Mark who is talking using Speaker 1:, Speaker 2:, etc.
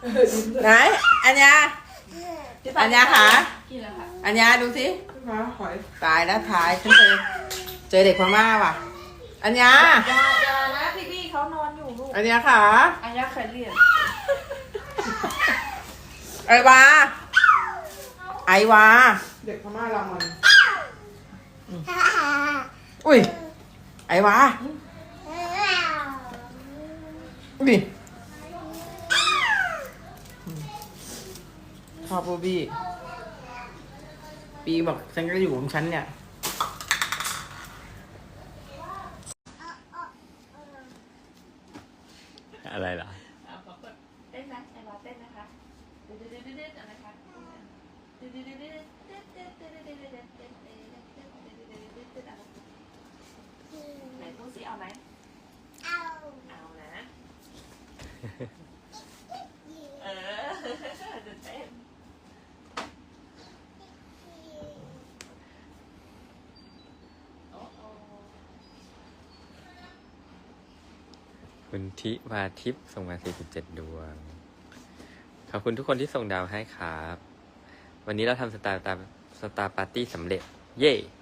Speaker 1: ไหนอัญญาอัญญาขา
Speaker 2: กินแล้วค่ะ
Speaker 1: อัญญาดูสิ
Speaker 3: มาหอย
Speaker 1: ตายแล้วถ่ายฉันเจอเด็กพม่าว่ะอัญญา
Speaker 2: อย่านะพี่เขานอนอยู่ลูก
Speaker 1: อัญญาขา
Speaker 2: อันยาเคยเรียน
Speaker 1: ไอวาไอวา
Speaker 3: เด็กพม่ารามัน
Speaker 1: อุ้ยไอวาอุ้ยชอบบูบี้ปีบอกฉันก็อยู่ของฉันเนี่ย
Speaker 4: อะไรล่ะ
Speaker 2: ขอกดเต้นนะไอ้บอสเต้นนะคะดื้อดื้อดื้อดื้ออะไรคะดื้อดื้อดื้อดื้อไหนพูดสิเอาไหมเอานะจะเต้นโอ้โห
Speaker 4: คุณทิวาทิพย์ส่งมา47 ดวง ขอบคุณทุกคนที่ส่งดาวให้ครับ วันนี้เราทำสตาร์ปาร์ตี้สำเร็จ เย้